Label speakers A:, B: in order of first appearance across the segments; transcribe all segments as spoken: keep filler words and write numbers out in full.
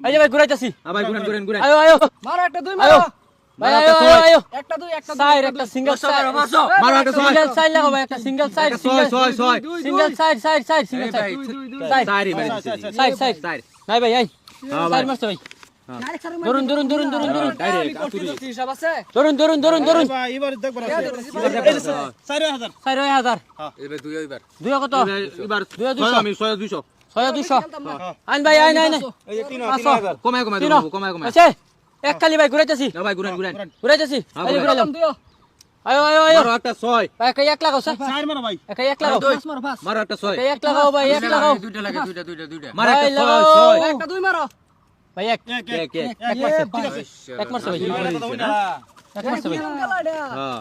A: এই যে ভাই ঘুরাইতাছি
B: ভাই ঘুরেন ঘুরেন ঘুরেন
A: আয়ো আয়ো
C: মারো একটা দুই মারো
A: ভাই আয়ো আয়ো আয়ো
C: একটা দুই একটা
A: সাইড একটা সিঙ্গেল সাইড
B: মারো একটা ছয়
A: সিঙ্গেল সাইড লাগাও ভাই একটা সিঙ্গেল সাইড
B: ছয় ছয় ছয়
A: single side side side single side side
B: সাইরি ভাই
A: সাইড সাইড
B: সাইড
A: নাই ভাই এই
B: হ্যাঁ
A: সাইড
B: ভাই
A: মারতে ভাই ধরুন ধরুন ধরুন ধরুন ধরুন
B: ডাইরেক্ট আতুরি
C: হিসাব আছে
A: ধরুন ধরুন ধরুন ধরুন
D: ভাই এবার দেখ বড় চার হাজার
A: চার হাজার
B: এবার দুই এবার
A: দুই কত
B: এবার
A: দুই
B: ছয়
A: দুশো
B: আমি ছয় দুইশো
A: ছয় দুশো আইন ভাই আইন আইন
D: এই যে তিন
A: পাঁচশো
B: কমায় কমায়
A: তিন
B: দেবো কমায় কমায়
A: আছে এক খালি ভাই ঘুরাইতাছি
B: না ভাই ঘুরেন ঘুরেন
A: ঘুরাইতাছি
B: হ্যাঁ,
A: এই যে
B: ঘুরাইলাম।
A: ঘুরাইলাম আয়ো আয়ো আয়ো
B: মারো একটা ছয়
A: ভাই একটা এক লাগাও স্যার
D: চার মারো ভাই
A: একটা এক লাগাও
C: মারো পাঁচ
B: মারো একটা ছয়
A: একটা এক লাগাও ভাই এক লাগাও
E: দুইটা লাগে দুইটা দুইটা দুইটা
B: মারো একটা
A: ভাই,
B: ছয়
A: লাগাও।
B: ছয়
C: একটা দুই মারো
A: ভাই এক
D: এক
B: এক
D: এক
B: এক
A: এক মারছে
D: ঠিক আছে
A: এক মারছে ভাই এক মারছে ভাই
B: হ্যাঁ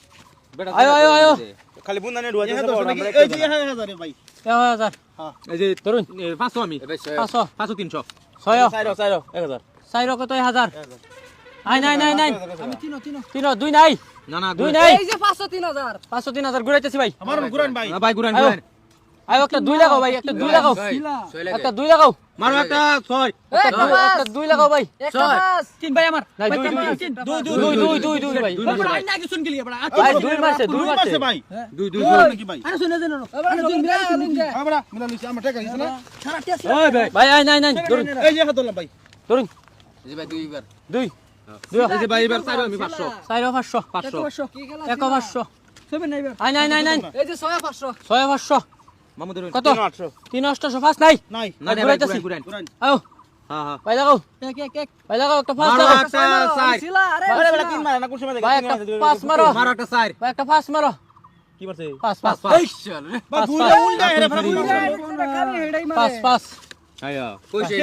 A: আয়ো আয়ো আয়ো
F: খালি বুন্দা নে ঢুয়া
D: এই
F: দিছে
D: যে
F: বড় আমরা
D: এই যে এক হাজার ভাই
A: এক হাজার
B: এই যে
A: ধরুন
B: এ, পাঁচশো আমি
A: পাঁচশো
B: পাঁচশো তিনশো
A: ছয়
F: চাইরো চাইরো এক হাজার
A: চার কত এক হাজার আই নাই নাই নাই
C: আমি তিনো তিনো
A: তিন দুই নাই
B: না না
A: দুই
B: ঘুরেন।
A: নাই
C: এই যে পাঁচশো তিন হাজার
A: পাঁচশো তিন হাজার ঘুরাইতেছি ভাই
D: আমার গুরান ভাই
B: না ভাই ঘুরেন
A: আয়ো।
B: ঘুরেন
A: আয়ো একটা দুই লাগাও ভাই একটা দুই লাগাও একটা দুই লাগাও
B: মারো একটা ছয়
A: একটা দুই- একটা দুই লাগাও ভাই
C: একটা পাঁচ
A: তিন ভাই আমার নাই দুই দুই দুই দুই দুই দুই দুই ভাই
B: দুই মারো ভাই।
A: ভাই দুই মারছে দুই মারছে
D: মারছে ভাই
B: দুই দুই
D: দুই
B: দুই
D: নাকি ভাই
C: আরে শুনে দেন এবার দুই মিলাই দিন যে
D: আমরা মিলা নিছি আমরা টাকা দিছি না
C: সারা টেস্ট
B: ওই ভাই
A: ভাই আই নাই নাই ধরুন
D: এই যে এক হাজার ভাই
A: ধরুন
E: এই যে ভাই দুই এবার
A: দুই
B: এই যে ভাই এবার চাইরো আমি পাঁচশো
A: চার পাঁচশো
B: পাঁচশো
C: পাঁচশো কি খেলা
A: এক পাঁচশো
C: ছবি নাই এবার
A: আই নাই নাই নাই
C: এই যে ছয় পাঁচশো
A: ছয় পাঁচশো
B: মামুদের
A: কত তিন অষ্টশো পাঁচ নাই
D: নাই
B: না না ভাই
A: ঘুরাইতাছি।
B: ঘুরেন ঘুরেন
D: গুরান
A: আয়ো
B: হ্যাঁ হ্যাঁ
A: ভাই লাগাও
C: এক এক এক
A: ভাই লাগাও একটা পাঁচ
B: মারো
A: লাগাও
B: একটা চার
C: শিলা আরে
F: আরে বেটা তিন মারে না কোন সময়
A: ভাই একটা পাঁচ মারো
B: মারো একটা চার
A: ভাই একটা পাঁচ মারো
F: কি করছে
A: পাঁচ পাঁচ
B: পাঁচ
D: ভাই
A: পাঁচ
D: গুরা
A: পাঁচ
D: উল্টা হেরে ফেলা
C: খালি হেডাই
A: পাঁচ
C: মারে
A: পাঁচ
B: আয়া
E: কইছে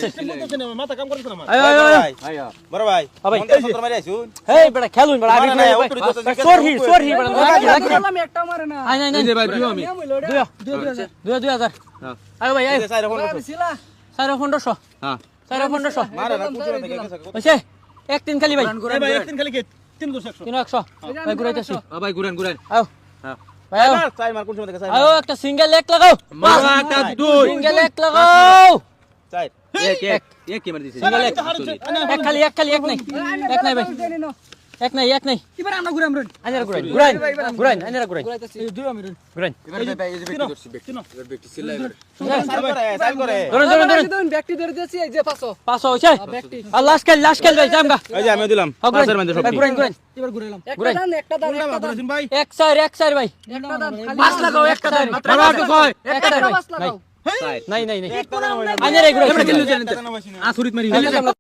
D: মাথা কাম করছ না আমার
A: আয়ো আয়ো
F: বড়
A: আয়ো
F: ভাই
B: আয়া
F: বড় ভাই
A: হ্যাঁ ভাই।
F: মন্দির সত্তর মারি আইছুন
A: হেই বেটা খেলুন বেটা আগে
F: না, না,
A: খেলুন
F: উত্তর দিতে
A: ভাই
F: তো
A: সোর হি সোর হি বেটা লাকি লাকি
C: খেলাম একটা মারে না
A: আই নাই নাই
B: এই যে ভাই দুই আমি
A: দুই দুই দুই হাজার
B: হ্যাঁ
A: আয়ো ভাই আয়ো
F: চাইরো ফোন
C: আরে শিলা
A: চার পনেরোশো
B: হ্যাঁ
A: চার পনেরোশো
F: মারে না কোন সময় থেকে গেছে
A: হয়েছে এক তিন খালি ভাই
D: এই ভাই একদিন খালি কে তিন দুশো একশো
A: তিন একশো ভাই ঘুরাইতেছি
B: আ ভাই ঘুরেন ঘুরেন
A: আয়ো
B: হ্যাঁ
A: ভাই আয়ো
F: চাই মার কোন সময় থেকে চাই
A: আয়ো একটা সিঙ্গেল এক লাগাও
B: মারো একটা দুই
A: সিঙ্গেল এক লাগাও
F: চাই
B: এক এক এক কি মার দিছে
A: সিঙ্গেল এক এক খালি এক খালি এক নাই এক নাই ভাই এক নাই এক নাই
C: এবার আমরা ঘুরে আমরা
A: আইনারা ঘুরাইন ঘুরাইন ঘুরাইন আইনারা ঘুরাইন
C: এই দুই আমি
A: ঘুরাইন
E: এবার ভাই এই যে ব্যক্তি করছি ব্যক্তি এবার ব্যক্তি সিলাই এবার
F: চাই করে চাই করে
A: ধরুন ধরুন ধরুন
C: ধরুন ব্যক্তি ধরে দিয়েছি এই যে পাঁচশো
A: পাঁচশো হয়েছে আর লাস্ট খেল লাস্ট খেল ভাই জামগা
F: এই যে আমি দিলাম পাঁচের মধ্যে সব
A: ঘুরাইন ঘুরাইন
C: এবার ঘুরাইলাম একটা
A: ঘুরাইন।
C: দান একটা দান একটা দান
D: বলেছেন ভাই
A: এক চার এক চার ভাই
C: একটা দান
A: পাঁচ লাগাও একটা দান
B: মারো একটা ছয়
A: এক চার ভাই
C: পাঁচ লাগাও
A: নাই নাই নাই নাই
F: একটা দান
A: আইনারা ঘুরাইন
B: আসুরিত মারি